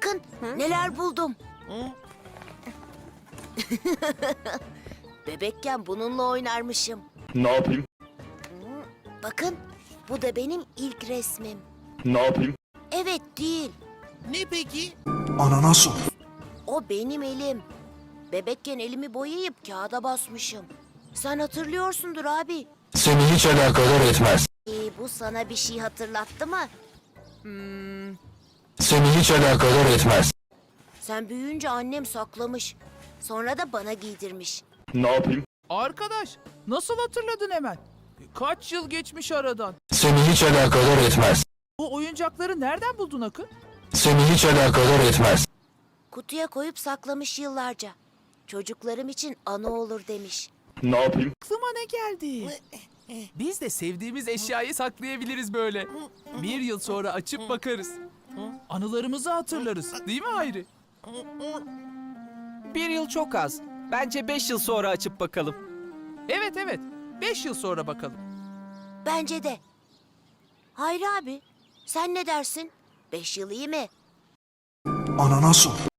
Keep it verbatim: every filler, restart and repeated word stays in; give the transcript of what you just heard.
Bakın neler buldum. Bebekken bununla oynarmışım. Ne yapayım? Bakın bu da benim ilk resmim. Ne yapayım? Evet değil. Ne peki? Ananas ol. O benim elim. Bebekken elimi boyayıp kağıda basmışım. Sen hatırlıyorsundur abi. Seni hiç alakadar etmez. Ee, bu sana bir şey hatırlattı mı? Seni hiç alakadar etmez. Sen büyüyünce annem saklamış. Sonra da bana giydirmiş. Ne yapayım? Arkadaş, nasıl hatırladın hemen? Kaç yıl geçmiş aradan? Seni hiç alakadar etmez. Bu oyuncakları nereden buldun Akın? Seni hiç alakadar etmez. Kutuya koyup saklamış yıllarca. Çocuklarım için anı olur demiş. Ne yapayım? Aklıma ne geldi? Biz de sevdiğimiz eşyayı saklayabiliriz böyle. Bir yıl sonra açıp bakarız. Anılarımızı hatırlarız, değil mi Hayri? Bir yıl çok az. Bence beş yıl sonra açıp bakalım. Evet evet, beş yıl sonra bakalım. Bence de. Hayri abi, sen ne dersin? Beş yıl iyi mi? Ananas ol.